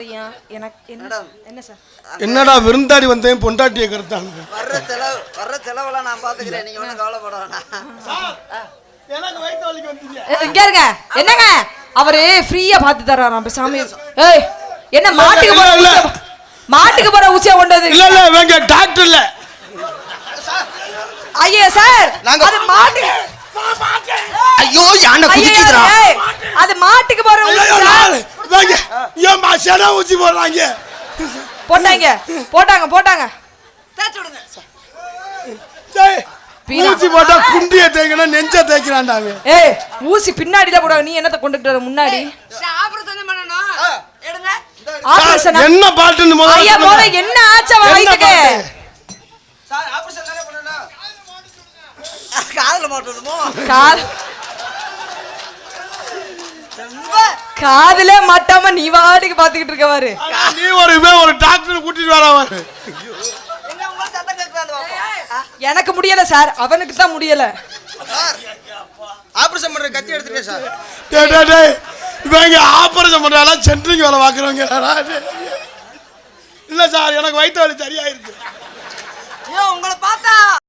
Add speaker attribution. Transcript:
Speaker 1: என்னடா விருந்தாடி வந்தேன் பொண்டாட்டியை கருத்தாங்க.
Speaker 2: வர்ற செலவெல்லாம் நான் பாத்துக்கிறேன், நீங்க ஒன்றும் கவலைப்பட வேணாம்.
Speaker 3: இங்க இருங்க, என்னங்க அவரு ஃப்ரீயா பாத்து தர்றாராம் சாமி. ஏய் என்ன மாட்டுக்கு போற ஊசியா கொண்டது?
Speaker 1: இல்ல இல்ல வேங்க டாக்டர் இல்ல.
Speaker 3: ஐயா சார் அது மாட்டு.
Speaker 2: ஐயோ யானை குதிக்குதுடா.
Speaker 3: அது மாட்டுக்கு போற ஊசியா?
Speaker 1: வேங்க ஏன் மாசனா ஊசி போடுறாங்க?
Speaker 3: போட்டாங்க
Speaker 2: தேச்சு விடுங்க.
Speaker 1: டேய் ஊசி போட்டா குண்டிய தேய்க்கணும், நெஞ்ச தேய்க்கறான்டாங்க.
Speaker 3: ஏய் ஊசி பின்னாடில போடுறாங்க, நீ என்னத்த கொண்டுட்டு வர முன்னாடி?
Speaker 2: ஆபரேஷன் பண்ணனும். எடுங்க.
Speaker 3: ஆபரேஷன்
Speaker 1: என்ன பாட்டுன்னு முதல்ல
Speaker 3: ஐயா போல என்ன ஆச்ச வயித்துக்கு?
Speaker 2: சார் ஆபரேஷன் தானே பண்ணனும். காதுல மாட்டணுமோ?
Speaker 3: காதுல மாட்டாம நீ வாடிக்கு பாத்துக்கிட்டு இருக்க பாரு.
Speaker 1: நீ ஒரு டாக்டர் கூட்டிட்டு வர பாரு.
Speaker 2: எங்க உங்க சத்தம் கேக்குறாங்க பாப்போம்.
Speaker 3: எனக்கு முடியல சார், அவனுக்கு தான் முடியல.
Speaker 2: சார் ஆபரேஷன் பண்ற கத்தி எடுத்துட்டே சார்.
Speaker 1: டேய் இவங்க ஆபரேஷன் பண்றால சென்ட்ரிங் வேலை பாக்குறவங்கடா. இல்ல சார் எனக்கு வயித்து வலி சரியாயிருக்கு.
Speaker 2: ஐயோ உங்களை பார்த்தா